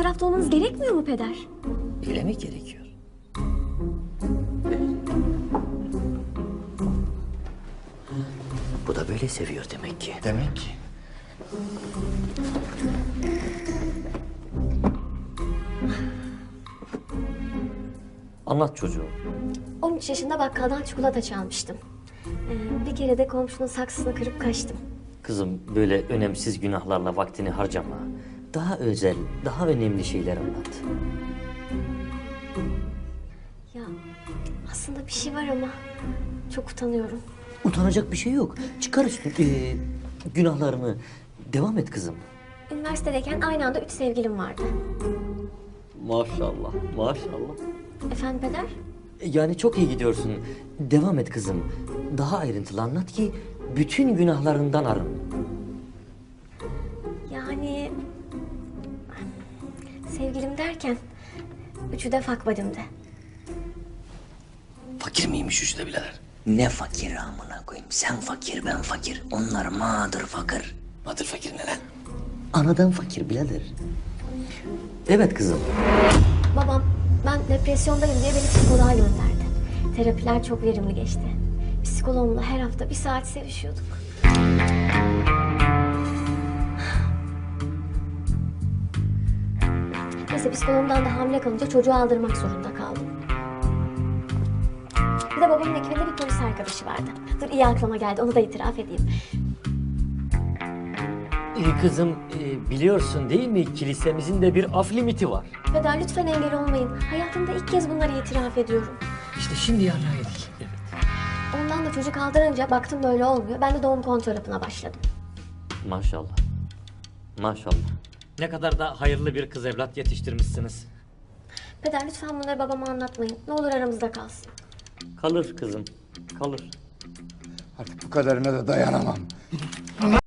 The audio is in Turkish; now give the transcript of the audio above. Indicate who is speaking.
Speaker 1: tarafta olmanız gerekmiyor mu peder?
Speaker 2: Öyle mi gerekiyor? Bu da böyle seviyor demek ki.
Speaker 3: Demek ki.
Speaker 2: Anlat çocuğum.
Speaker 1: 13 yaşında bakkaldan çikolata çalmıştım. Bir kere de komşunun saksısını kırıp kaçtım.
Speaker 2: Kızım böyle önemsiz günahlarla vaktini harcama. Daha özel, daha önemli şeyler anlat.
Speaker 1: Ya aslında bir şey var ama çok utanıyorum.
Speaker 2: Utanacak bir şey yok. Çıkar günahlarını. Devam et kızım.
Speaker 1: Üniversitedeyken aynı anda 3 sevgilim vardı.
Speaker 2: Maşallah, maşallah.
Speaker 1: Efendim peder?
Speaker 2: Yani çok iyi gidiyorsun. Devam et kızım. Daha ayrıntılı anlat ki bütün günahlarından arın.
Speaker 1: Yani sevgilim derken üçü de fuck buddy'mdi.
Speaker 3: Fakir miymiş üçü de birader?
Speaker 4: Ne fakir amına koyayım. Sen fakir, ben fakir. Onlar mağdur fakir.
Speaker 3: Mağdur fakir ne lan?
Speaker 2: Anadan fakir birader. Evet kızım.
Speaker 1: Babam ben depresyondayım diye beni psikoloğa gönderdi. Terapiler çok verimli geçti. Psikoloğumla her hafta 1 saat sevişiyorduk. Neyse psikoloğumdan da hamile kalınca çocuğu aldırmak zorunda kaldım. Bir de babamın ekibinde bir polis arkadaşı vardı. Dur iyi aklıma geldi onu da itiraf edeyim.
Speaker 2: Kızım biliyorsun değil mi kilisemizin de bir af limiti var.
Speaker 1: Peder lütfen engel olmayın. Hayatımda ilk kez bunları itiraf ediyorum.
Speaker 2: İşte şimdi yardım edik. Evet.
Speaker 1: Ondan da çocuk aldırınca baktım böyle olmuyor. Ben de doğum kontrol hapına başladım.
Speaker 2: Maşallah. Maşallah.
Speaker 5: Ne kadar da hayırlı bir kız evlat yetiştirmişsiniz.
Speaker 1: Peder lütfen bunları babama anlatmayın. Ne olur aramızda kalsın.
Speaker 2: Kalır kızım. Kalır.
Speaker 3: Artık bu kadarına da dayanamam.